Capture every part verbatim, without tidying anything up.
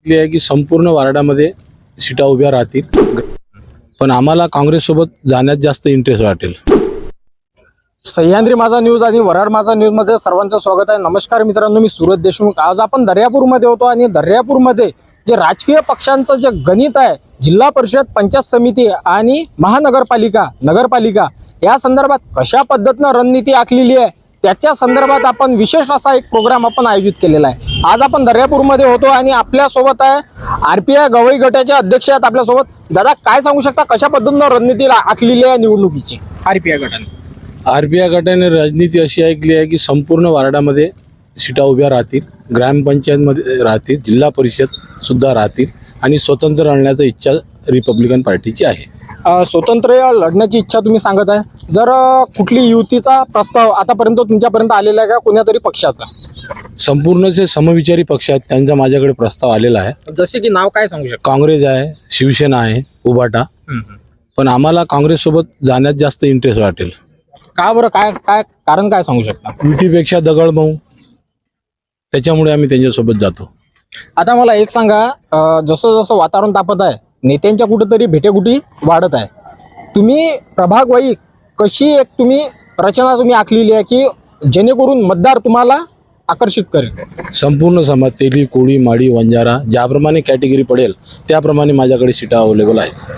आहे की संपूर्ण वार्डामध्ये सीटा उभ्या राहतील, पण आम्हाला काँग्रेससोबत जाण्यात जास्त इंटरेस्ट वाटेल. सह्याद्री माझा न्यूज आणि वराड माझा न्यूज मध्ये सर्वांचं स्वागत आहे. नमस्कार मित्रांनो, मी सूरज देशमुख. आज आपण दर्यापूरमध्ये होतो आणि दर्यापूरमध्ये जे राजकीय पक्षांचं जे गणित आहे, जिल्हा परिषद, पंचायत समिती आणि महानगरपालिका नगरपालिका या संदर्भात कशा पद्धतीनं रणनीती आखलेली आहे त्याच्या संदर्भात आपण विशेष असा एक प्रोग्राम आपण आयोजित केलेला आहे. आज आपण दर्यापूरमध्ये होतो आणि आपल्या सोबत आहे आर पी आय गवई गटाचे अध्यक्ष आहेत आपल्यासोबत. दादा, काय सांगू शकता कशा पद्धतीनं रणनीती आखलेली आहे निवडणुकीची आर पी आय गटाने? आर पी आय गटाने राजनीती अशी ऐकली आहे की संपूर्ण वार्डामध्ये सीटा उभ्या राहतील, ग्रामपंचायतमध्ये राहतील, जिल्हा परिषद सुद्धा राहतील आणि स्वतंत्र लढण्याची इच्छा रिपब्लिकन पार्टीची आहे. अ, स्वतंत्र लढण्याची इच्छा तुम्ही सांगत आहे. जर अ, कुठली युतीचा प्रस्ताव आतापर्यंत तुमच्यापर्यंत आलेला आहे का, कोणत्या तरी पक्षाचा? संपूर्ण जे समविचारी पक्ष आहेत त्यांचा माझ्याकडे प्रस्ताव आलेला आहे. जसे की नाव काय सांगू शकता? काँग्रेस आहे, शिवसेना आहे, उभाटा, पण आम्हाला काँग्रेससोबत जाण्यात जास्त इंटरेस्ट वाटेल. का बरं? काय काय कारण काय सांगू शकता? युतीपेक्षा दगडमऊ, त्याच्यामुळे आम्ही त्यांच्यासोबत जातो. आता मला एक सांगा, अ, जसं जसं वातावरण तापत आहे, नेत्यांच्या कुठेतरी भेटेगुटी वाढत आहे, तुम्ही प्रभागवाई कशी एक तुम्ही रचना तुम्ही आखलेली आहे की जेणेकरून मतदार तुम्हाला आकर्षित करेल? संपूर्ण समाज, तेली, कोळी, माडी, वंजारा, ज्याप्रमाणे कॅटेगरी पडेल त्याप्रमाणे माझ्याकडे सीटा अवेलेबल आहेत.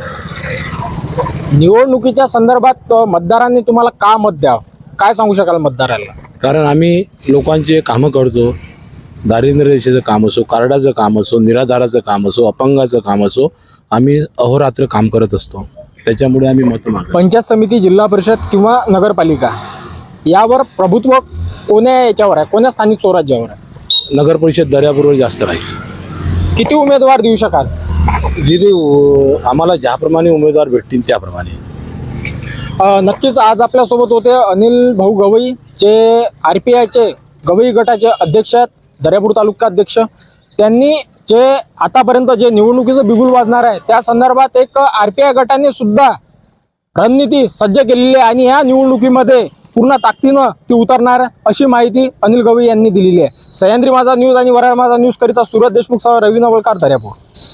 निवडणुकीच्या संदर्भात अ, मतदारांनी तुम्हाला का मत द्यावं, काय सांगू शकाल मतदारांना? कारण आम्ही लोकांचे कामं करतो. दारिद्र्य रेषेचं काम असो, कार्डाचं काम असो, निराधाराचं काम असो, अपंगाचं काम असो, आम्ही अहोरात्र काम करत असतो. त्याच्यामुळे आम्ही मत मागतो. पंचायत समिती, जिल्हा परिषद किंवा नगरपालिका यावर प्रभुत्व कोण्या याच्यावर आहे, कोण्या स्थानिक स्वराज्यावर आहे? नगर परिषद दर्यापूरवर जास्त राहील. किती उमेदवार देऊ शकाल? जिथे उ- आम्हाला ज्याप्रमाणे उमेदवार भेटतील त्याप्रमाणे. अ, नक्कीच आज आपल्यासोबत होते अनिल भाऊ गवई, जे आर पी आयचे गवई गटाचे अध्यक्ष आहेत, दर्यापूर तालुका अध्यक्ष. त्यांनी जे आतापर्यंत जे निवडणुकीचं बिगुल वाजणार आहे त्या संदर्भात एक आर पी आय गटाने सुद्धा रणनीती सज्ज केलेली आहे आणि या निवडणुकीमध्ये पूर्ण ताकदीनं ती उतरणार अशी माहिती अनिल गवई यांनी दिलेली आहे. सह्याद्री माझा न्यूज आणि वराड माझा न्यूज करिता सूरज देशमुख सह रवी नवलकार, दर्यापूर.